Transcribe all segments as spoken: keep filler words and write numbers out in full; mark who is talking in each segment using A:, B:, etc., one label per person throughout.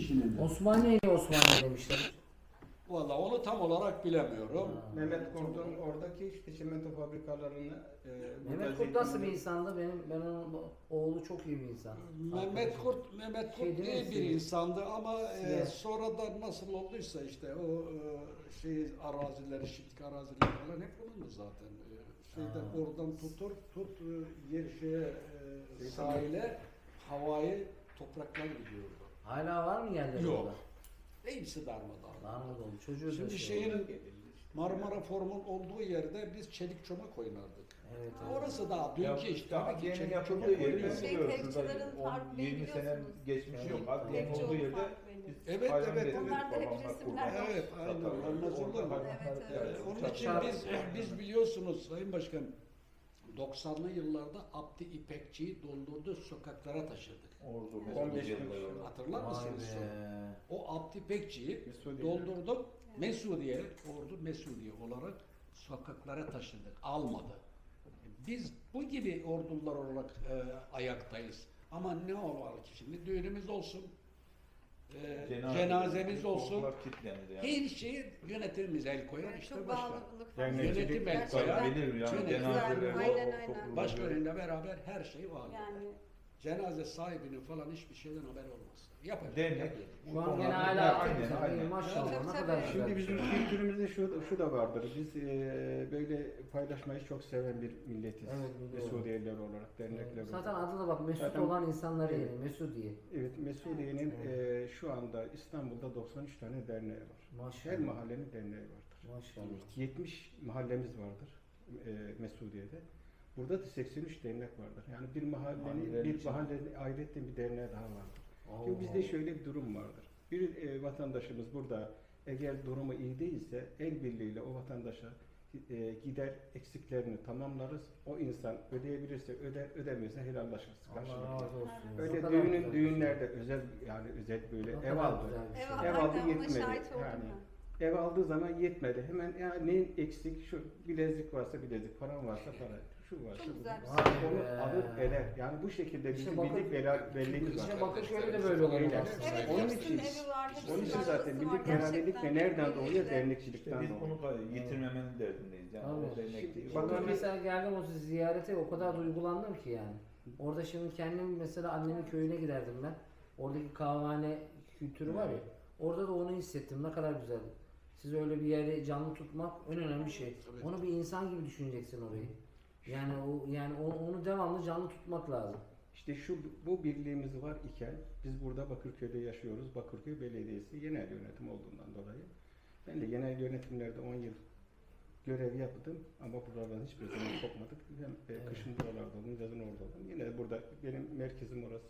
A: kişinin de.
B: Osmaniye'ye Osmaniye demişler.
C: Vallahi onu tam olarak bilemiyorum.
D: Mehmet Kurt'un oradaki işte çimento fabrikalarını e, burada
B: Mehmet Kurt nasıl bir
D: zeytinyağı-
B: insandı? Benim ben onun oğlu çok iyi bir insan.
C: Mehmet
B: Arkadaşım.
C: Kurt, Mehmet Kurt
B: Şey değil mi,
C: iyi bir
B: Siyah?
C: insandı ama e,
B: Siyah.
C: sonradan nasıl olduysa işte o e, şey arazileri, şimdiki araziler falan hep onundu zaten. E, şeyden
B: Ha.
C: oradan tutur, tut e, yer şeye e, sahile, havayı, topraklar gidiyordu.
B: Hala var mı yerleri
C: Yok.
B: orada?
C: Hepsi darmadağın.
B: Darmadağın oldu. Çocuğu da
C: Şimdi
B: şey
C: şeyin
B: oldu.
C: Marmara Forum'un olduğu yerde biz çelik çomak oynardık.
B: Evet, evet.
C: Orası daha dünkü işte. Tabii ki
E: Adliyenin
C: çelik
E: yapıldığı
C: çomak
E: yeri ben
C: oynuyoruz.
F: Şey,
E: biliyorum.
F: kayıkçıların
E: Şurada
F: farkı
E: on yirmi sene
F: biliyorsunuz.
E: geçmişi yok.
B: Evet.
E: Adliyenin
F: Kayıkçı
E: olduğu
F: olduğu
E: yerde
F: fark belli.
E: biz
C: Evet,
E: hayvan
C: evet,
E: besledik,
F: Onlarda hep
E: babamlar
F: resimler
E: kurban
F: var.
C: Evet, aynen.
E: satarlardı.
C: Olmaz olur mu?
E: Orada
F: Evet,
E: hayvanlar-
F: evet.
C: Onun
E: uçak-
C: için biz biz biliyorsunuz Sayın Başkan doksanlı yıllarda Abdi İpekçi'yi doldurdu sokaklara taşıdık.
E: Ordu,
D: on beş
E: Mesut
D: gün
E: yılları.
D: sonra.
C: Hatırlar
B: Vay
C: mısınız?
B: be.
C: O Abdi İpekçi'yi
D: Mesudiye.
C: doldurduk. Mesudiye, ordu Mesudiye olarak sokaklara taşıdık. Almadı. Biz bu gibi ordular olarak e, ayaktayız. Ama ne olur ki şimdi düğünümüz olsun, e,
E: Cenaze-
C: cenazemiz olsun.
E: korkular kilitlendi yani.
C: Her şeye yönetimimiz el koyar
F: Evet,
C: işte
F: çok
C: başkan.
F: bağlılık var.
D: Yani
C: Yönetim el koyar.
F: Gerçekten.
E: Bilir yani
C: Çok
E: cenazeler,
F: güzel,
E: o-
F: aynen,
E: o
F: aynen.
E: topluluğu-
C: Başkanıyla beraber her şey var.
F: Yani
C: Cenaze sahibinin falan hiçbir şeyden haberi olmaz. Yapacak.
E: Dernek.
C: yapacak.
B: Şu an
E: Onlar-
B: gene
E: Aynen,
B: hala
E: aynen,
B: aktif.
E: aynen.
B: Maşallah
F: Tabii,
B: ne
F: tabii.
B: kadar güzel.
D: Şimdi bizim kültürümüzde şu, şu da vardır. Biz e, böyle paylaşmayı çok seven bir milletiz.
B: Evet, biliyorum.
D: Mesudiyeler olarak, dernekler
B: Zaten
D: olarak.
B: adı da bak Mesut
D: Zaten-
B: olan insanları
D: Evet.
B: yani Mesudiye.
D: Evet, Mesudiye'nin
B: Evet.
D: e, şu anda İstanbul'da doksan üç tane derneği var. Her
B: Maşallah.
D: mahallenin derneği vardır.
B: Maşallah.
D: yetmiş mahallemiz vardır e, Mesudiye'de. Burada da seksen üç dernek vardır. Yani bir mahallenin,
E: Mahalleler
D: bir
E: için.
D: mahallenin ayrıca bir derneği daha vardır. Şimdi
B: Allah
D: bizde
B: Allah.
D: şöyle bir durum vardır. Bir e, vatandaşımız burada eğer durumu iyi değilse el birliğiyle o vatandaşa e, gider eksiklerini tamamlarız. O insan ödeyebilirse öder, ödemiyorsa helallaşırız.
B: Allah
D: karşılıklı.
B: razı olsun. Ne
D: Öyle
B: kadar
D: düğünün
B: güzel bir şey.
D: düğünlerde özel yani özel böyle
B: Ne
D: ev
B: kadar
D: aldı.
B: güzel bir şey.
F: ev,
D: Ev
F: aynen,
D: aldı
F: ona
D: yetmedi.
F: şahit oldum
D: Yani.
F: ben.
D: Ev aldığı zaman yetmedi. Hemen ya neyin eksik? Şu bilezik varsa bilezik, param varsa para. Şu varsa
F: Çok
D: bu.
F: güzel bir
B: Vay
D: Onu
B: be.
D: alır eder. Yani bu şekilde
B: İşte
D: bizim
B: bakın-
D: bildik bela- belliğimiz var.
B: İşte Bakırköy'de de böyle oluyor
D: Öyle.
B: aslında.
F: Evet,
D: Onun
F: hepsinin
D: için-
F: evi var, hepsinin
D: Onun için
F: arabası
D: zaten
F: var.
D: bildik beraberlik de
F: Gerçekten
D: nereden
F: çok
D: doğuyor?
F: iyi.
E: İşte
D: Dernekçilikten
E: biz
D: doğuyor.
E: bunu yitirmemenin derdindeyiz. Yani
B: Tabii.
E: o dernek
D: Şimdi
E: değil.
D: bakın
B: Ben
D: bir-
B: mesela geldim o ziyarete o kadar duygulandım ki yani. Orada şimdi kendim mesela annemin köyüne giderdim ben. Oradaki kahvehane kültürü var ya. Orada da onu hissettim. Ne kadar güzel. Siz öyle bir yeri canlı tutmak en önemli şey.
C: Evet.
B: Onu bir insan gibi düşüneceksin orayı. Yani o yani onu, onu devamlı canlı tutmak lazım.
D: İşte şu bu birliğimiz var iken biz burada Bakırköy'de yaşıyoruz. Bakırköy Belediyesi genel yönetim olduğundan dolayı. Ben de genel yönetimlerde on yıl görev yaptım ama buralardan hiçbir zaman kopmadık. Hem e,
B: Evet.
D: kışın buralarda oldum, yazın orada oldum. Yine burada benim merkezim orası.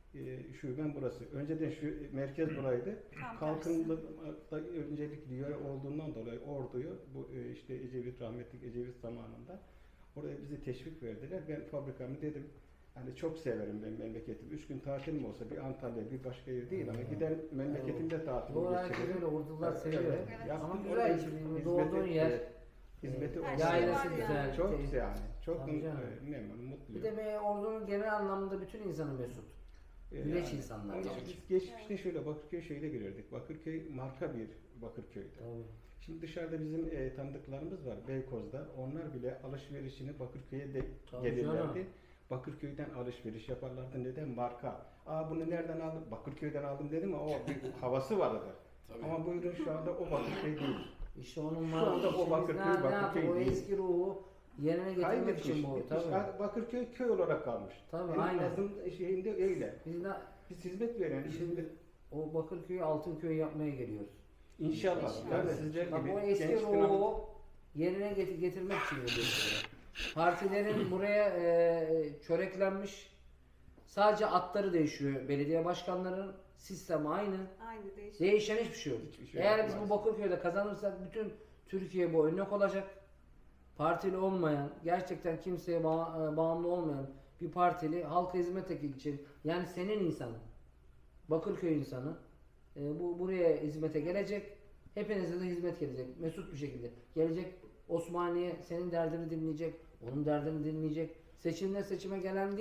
D: E, şubem burası. Önceden şu merkez buraydı.
F: Tam
D: Kalkınmada öncelikli yöre olduğundan dolayı orduyu bu e, işte Ecevit rahmetli Ecevit zamanında oraya bizi teşvik verdiler. Ben fabrikamı dedim. Hani çok severim ben memleketim. Üç gün tatilim olsa bir Antalya bir başka yer değil ama
B: Hmm.
D: gider memleketimde tatil
B: Doğru herkes
D: geçiririm.
B: öyle ordular
D: Evet,
B: seviyor.
D: evet.
F: Evet.
D: Yaptım,
B: Ama
D: orada
B: güzel şimdi
D: hizmeti-
B: doğduğun yer.
D: evet, hizmeti
B: e,
F: Her
D: olsun.
F: şey
B: Yaylası
F: var
B: güzel.
F: yani.
D: Çok
B: te-
D: yani. Çok
B: Tabii canım.
D: e, memnunum,
B: Bir
D: mutluyum.
B: de be, ordunun genel anlamda bütün insanı mesut.
D: E,
B: güleç insanlar.
D: Onun için
C: Tabii.
D: biz geçmişte şöyle Bakırköy şeyle girerdik. Bakırköy marka bir Bakırköy'dü.
B: Tabii.
D: Şimdi dışarıda bizim e, tanıdıklarımız var Beykoz'da. Onlar bile alışverişini Bakırköy'e de
B: Tabii
D: gelirlerdi.
B: canım.
D: Bakırköy'den alışveriş yaparlardı. Neden? Marka. Aa bunu nereden aldın? Bakırköy'den aldım dedim ama o bir havası vardı.
C: Tabii.
D: Ama bu ürün şu anda o Bakırköy değil.
B: İşte onun
D: Şu
B: var.
D: anda o
B: işte biz
D: Bakırköy,
B: ne- ne
D: Bakırköy
B: yapalım? O
D: değil.
B: eski ruhu yerine getirmek
D: Kaybetmiş.
B: için bu.
D: gitmiş.
B: Tabii.
D: Yani Bakırköy köy olarak kalmış.
B: Tabii,
D: En
B: aynen.
D: azın şeyinde öyle.
B: Biz de
D: Biz hizmet veren,
B: Şimdi
D: hizmet,
B: o Bakırköy'ü Altınköy yapmaya geliyoruz.
D: inşallah.
F: İnşallah.
D: Yani sizler
B: Bak
D: gibi
B: o eski
D: genç dinamik-
B: ruhu yerine get- getirmek için geliyoruz. Partilerin buraya e, çöreklenmiş. Sadece atları değişiyor. Belediye başkanlarının sistemi aynı.
F: Aynı değişik.
B: Değişen hiçbir şey yok.
D: Hiçbir şey
B: Eğer
D: yok
B: biz bu
D: maalesef.
B: Bakırköy'de kazanırsak bütün Türkiye bu örnek olacak. Partili olmayan, gerçekten kimseye ba- e, bağımlı olmayan bir partili halka hizmet için, yani senin insanın, Bakırköy insanı e, bu buraya hizmete gelecek. Hepinize de hizmet gelecek. Mesut bir şekilde gelecek. Osmaniye senin derdini dinleyecek. Onun derdini dinleyecek. Seçimle seçime gelen değil.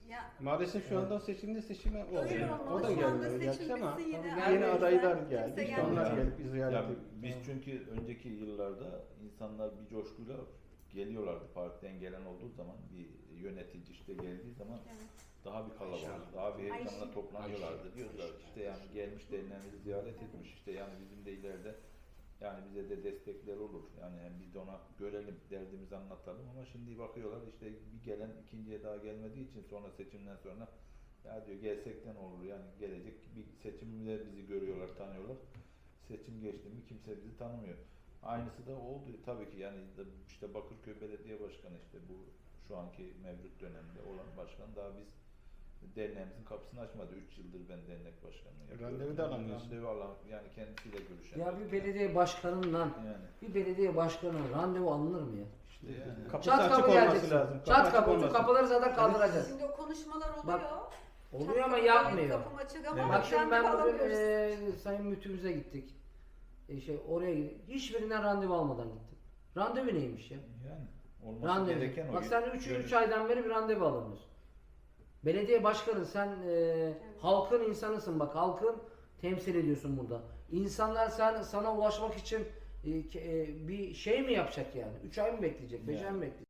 A: Ya
D: Maalesef şu anda o seçimde seçime oldu.
A: öyle
D: O
A: olmalı.
D: da
A: Şu anda
D: gelmiyor gerçi
A: seçim
D: ama
A: bitsin yine.
B: Tabii
A: aynı
D: yeni
B: gelmiyor.
D: adaylar
A: yüzden
D: geldi.
A: kimse
D: İşte onlar
A: gelmiyor.
D: gelip ziyaret
E: Ya
D: ediyor.
E: biz çünkü önceki yıllarda insanlar bir coşkuyla geliyorlardı. Partiden gelen olduğu zaman, bir yönetici işte geldiği zaman
A: Evet.
E: daha bir kalabalık, daha bir heyecanla
A: Ayşe.
E: toplanıyorlardı. Diyorlar işte yani gelmiş derinlerimizi ziyaret etmiş işte yani bizim de ileride yani bize de destekler olur. Yani hem biz de ona görelim, derdimizi anlatalım ama şimdi bakıyorlar işte bir gelen ikinciye daha gelmediği için sonra seçimden sonra ya diyor gelsek de ne olur yani gelecek bir seçimde bizi görüyorlar, tanıyorlar. Seçim geçti mi kimse bizi tanımıyor. Aynısı da oldu tabii ki yani işte Bakırköy Belediye Başkanı işte bu şu anki mevcut dönemde olan başkan daha biz derneğimizin kapısını açmadı. üç yıldır ben dernek başkanlığı yapıyorum.
D: Randevu da alamıyorsun.
E: Randevu alam yani kendisiyle görüşemiyorum.
B: Ya bir belediye başkanından
E: yani
B: bir belediye başkanına randevu alınır mı ya?
E: işte yani.
D: Kapısı
B: Çat
D: açık
B: kapı
D: olması
B: geleceksin.
D: lazım. Kapı
B: Çat
D: açık
B: kapı
D: olması.
B: kapıları zaten kaldıracağız.
A: Şimdi o konuşmalar oluyor.
B: Bak,
A: Çat
B: Oluyor ama
A: kapı
B: yapmıyor.
A: Kapım açık ama
B: Bak şimdi
A: randevu
B: ben bugün
A: alamıyoruz.
B: eee sayın müdürümüze gittik. E şey oraya gittik. Hiçbirinden randevu almadan gittim. Randevu neymiş ya?
E: Yani olması
B: Randevu.
E: gereken o.
B: Bak sen üç
E: Görüş-
B: aydan beri bir randevu alamıyorsun. Belediye başkanı sen eee, halkın insanısın bak. Halkın temsil ediyorsun burada. İnsanlar sen sana ulaşmak için e, ke- e, bir şey mi yapacak yani? üç ay mı bekleyecek? beş
E: Yani.
B: ay mı bekleyecek?